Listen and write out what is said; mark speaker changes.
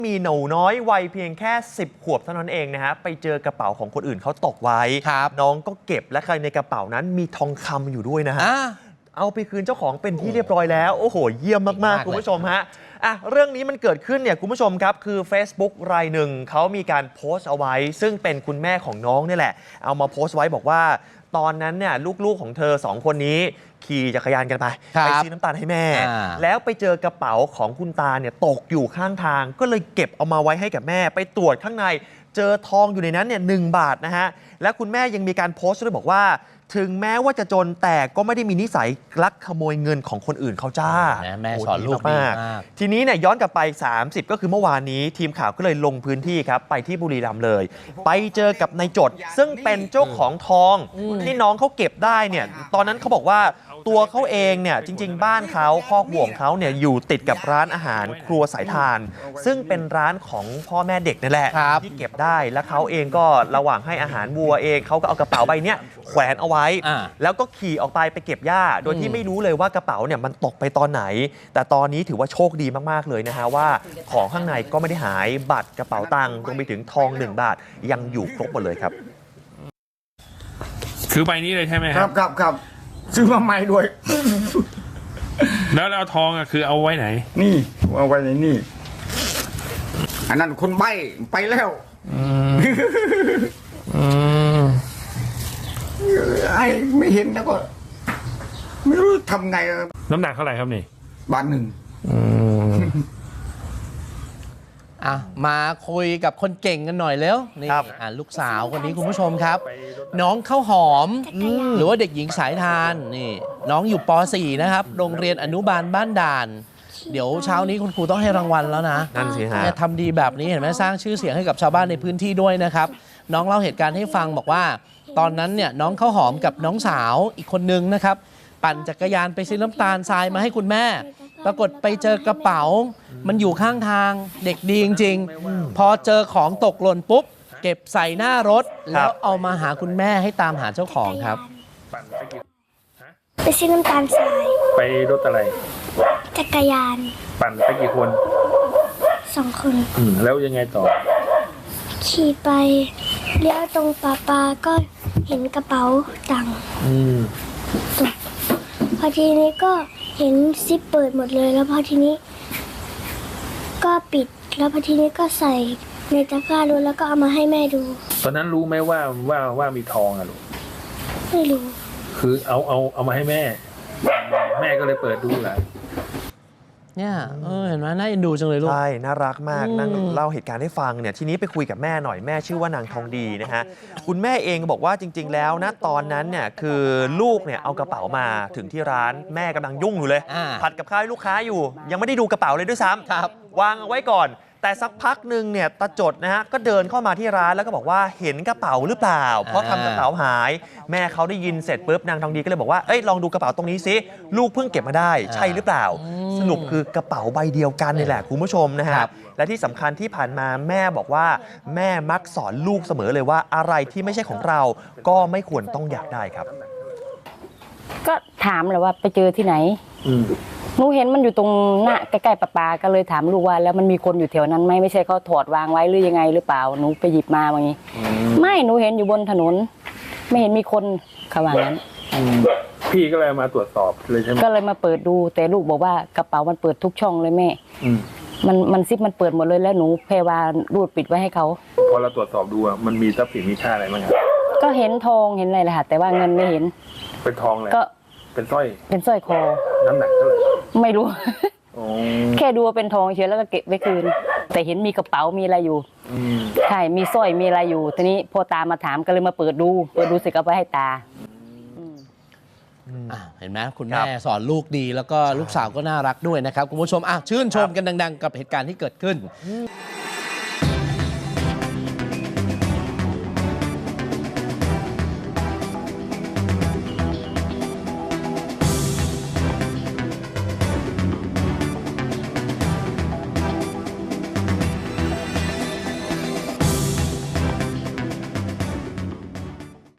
Speaker 1: มีหนูน้อยวัยเพียงแค่10 ขวบเท่านั้นเองนะฮะไปเจอกระเป๋าของคนอื่นเขาตกไว้น้องก็เก็บและในกระเป๋านั้นมีทองคำอยู่ด้วยนะฮะเอาไปคืนเจ้าของเป็นที่เรียบร้อยแล้วโอ้โหเยี่ยมมากๆคุณผู้ชมฮะเรื่องนี้มันเกิดขึ้นเนี่ยคุณผู้ชมครับคือ Facebook รายหนึ่งเขามีการโพสต์เอาไว้ซึ่งเป็นคุณแม่ของน้องนี่แหละเอามาโพสต์ไว้บอกว่าตอนนั้นเนี่ยลูกๆของเธอ2 คนนี้ขี่จักรยานกันไปซื้อน้ำตาลให้แม่แล้วไปเจอกระเป๋าของคุณตาเนี่ยตกอยู่ข้างทางก็เลยเก็บเอามาไว้ให้กับแม่ไปตรวจข้างในเจอทองอยู่ในนั้นเนี่ย1 บาทนะฮะและคุณแม่ยังมีการโพสต์ด้วยบอกว่าถึงแม้ว่าจะจนแต่ก็ไม่ได้มีนิสัยลักขโมยเงินของคนอื่นเขาจ้า
Speaker 2: แม่สอนลูกมาก
Speaker 1: ทีนี้เนี่ยย้อนกลับไป30ก็คือเมื่อวานนี้ทีมข่าวก็เลยลงพื้นที่ครับไปที่บุรีรัมย์เลยไปเจอกับนายจดซึ่งเป็นเจ้าของทองที่น้องเขาเก็บได้เนี่ยตอนนั้นเขาบอกว่าตัวเขาเองเนี่ยจริงๆบ้านเขาคอกวัวของเขาเนี่ยอยู่ติดกับร้านอาหารครัวสายทานซึ่งเป็นร้านของพ่อแม่เด็กนั่นแหละที่เก็บได้แล้วเขาเองก็ระหว่างให้อาหารวัวเองเขาก็เอากระเป๋าใบนี้แขวนเอาไว้แล้วก็ขี่ออกไปเก็บหญ้าโดยที่ไม่รู้เลยว่ากระเป๋าเนี่ยมันตกไปตอนไหนแต่ตอนนี้ถือว่าโชคดีมากๆเลยนะฮะว่าของข้างในก็ไม่ได้หายบัตรกระเป๋าตังค์รวมไปถึงทอง1 บาทยังอยู่ครบหมดเลยครับ
Speaker 3: คือใบนี้เลยใช่ไหม
Speaker 4: ครับซื้อมาใหม่ด้วย
Speaker 3: แล้วเอาทองอ่ะคือเอาไว้ไหน
Speaker 4: นี่เอาไว้ในนี่อันนั้นคนใบ้ไปแล้วไอ้ไม่เห็นแล้วก็ไม่รู้ทำไง
Speaker 3: น้ำหนักเท่าไหร่ครับนี่
Speaker 4: 1 บาท
Speaker 2: มาคุยกับคนเก่งกันหน่อยแล้วนี่ลูกสาวคนนี้คุณผู้ชมครับน้องข้าวหอมหรือว่าเด็กหญิงสายทานนี่น้องอยู่ป .4 นะครับโรงเรียนอนุบาลบ้านด่านเดี๋ยวเช้านี้คุณครูต้องให้รางวัลแล้วนะ
Speaker 1: นั่นสิฮะ
Speaker 2: ทำดีแบบนี้เห็นไหมสร้างชื่อเสียงให้กับชาวบ้านในพื้นที่ด้วยนะครับน้องเล่าเหตุการณ์ให้ฟังบอกว่าตอนนั้นเนี่ยน้องข้าวหอมกับน้องสาวอีกคนนึงนะครับปั่นจักรยานไปซื้อน้ำตาลทรายมาให้คุณแม่ปรากฏไปเจอกระเป๋ามันอยู่ข้างทางเด็กดีจริงๆพอเจอของตกหล่นปุ๊บเก็บใส่หน้ารถแล้วเอามาหาคุณแม่ให้ตามหาเจ้าของครับ
Speaker 5: ไปซื้อน้ำตาลทราย
Speaker 3: ไปรถอะไร
Speaker 5: จักรยาน
Speaker 3: ปั่นไปกี่คน
Speaker 5: 2 คน
Speaker 3: แล้วยังไงต่อ
Speaker 5: ขี่ไปเลี้ยวตรงป่าก็เห็นกระเป๋าตังค์พอทีนี้ก็เห็นซิปเปิดหมดเลยแล้วพอทีนี้ก็ปิดแล้วพอทีนี้ก็ใส่ในตะกร้ารถแล้วก็เอามาให้แม่ดู
Speaker 3: ตอนนั้นรู้ไหมว่ามีทองอะลูก
Speaker 5: ไม่รู้
Speaker 3: คือเอามาให้แม่ก็เลยเปิดดูแหละ
Speaker 2: เนี่ยเห็นไหมน่าเอ็นดูจังเลยลูก
Speaker 1: ใช่น่ารักมากนั่งเล่าเหตุการณ์ให้ฟังเนี่ยทีนี้ไปคุยกับแม่หน่อยแม่ชื่อว่านางทองดีนะฮะคุณแม่เองบอกว่าจริงๆแล้วนะตอนนั้นเนี่ยคือลูกเนี่ยเอากระเป๋ามาถึงที่ร้านแม่กำลังยุ่งอยู่เลยผัดกับข้าวให้ลูกค้าอยู่ยังไม่ได้ดูกระเป๋าเลยด้วยซ้ำวางเอาไว้ก่อนแต่สักพักหนึ่งเนี่ยตาจดนะฮะก็เดินเข้ามาที่ร้านแล้วก็บอกว่าเห็นกระเป๋าหรือเปล่าเพราะทำกระเป๋าหายแม่เขาได้ยินเสร็จปุ๊บนางทองดีก็เลยบอกว่าเอ้ยลองดูกระเป๋าตรงนี้สิลูกเพิ่งเก็บมาได้ใช่หรือเปล่าสรุปคือกระเป๋าใบเดียวกันนี่แหละคุณผู้ชมนะฮะและที่สำคัญที่ผ่านมาแม่บอกว่าแม่มักสอนลูกเสมอเลยว่าอะไรที่ไม่ใช่ของเราก็ไม่ควรต้องอยากได้ครับ
Speaker 6: ก็ถามเลยว่าไปเจอที่ไหนหนูเห็นมันอยู่ตรงหน้าใกล้ๆปลาก็เลยถามลูกว่าแล้วมันมีคนอยู่แถวนั้นไหมไม่ใช่เขาถอดวางไว้หรือยังไงหรือเปล่าหนูไปหยิบมาอย่างนี้ไม่หนูเห็นอยู่บนถนนไม่เห็นมีคนเขาว่างั้น
Speaker 3: พี่ก็เลยมาตรวจสอบเลยใช่ไหม
Speaker 6: ก็เลยมาเปิดดูแต่ลูกบอกว่ากระเป๋ามันเปิดทุกช่องเลยแม่มันซิปมันเปิดหมดเลยแล้วหนูแพรวารูดปิดไว้ให้เขา
Speaker 3: พอเราตรวจสอบดูมันมีทรัพย์สินมีค่าอะไรบ้างครับ
Speaker 6: ก็เห็นทองเห็นอะไรแหละค่ะแต่ว่าเงินไม่เห็น
Speaker 3: เป็นทองเลย
Speaker 6: ก็
Speaker 3: เป็นสร้
Speaker 6: อยคอ
Speaker 3: น้ำหนักเท่าไหร่
Speaker 6: ไม่รู้แค่ดูว่าเป็นทองเฉยแล้วก็เก็บไว้คืนแต่เห็นมีกระเป๋ามีอะไรอยู่ใช่มีสร้อยมีอะไรอยู่ทีนี้พอตามาถามก็เลยมาเปิดดูเสร็จก็ไปให้ตา
Speaker 2: เห็นไหมคุณแม่สอนลูกดีแล้วก็ลูกสาวก็น่ารักด้วยนะครับคุณผู้ชมชื่นชมกันดังๆกับเหตุการณ์ที่เกิดขึ้น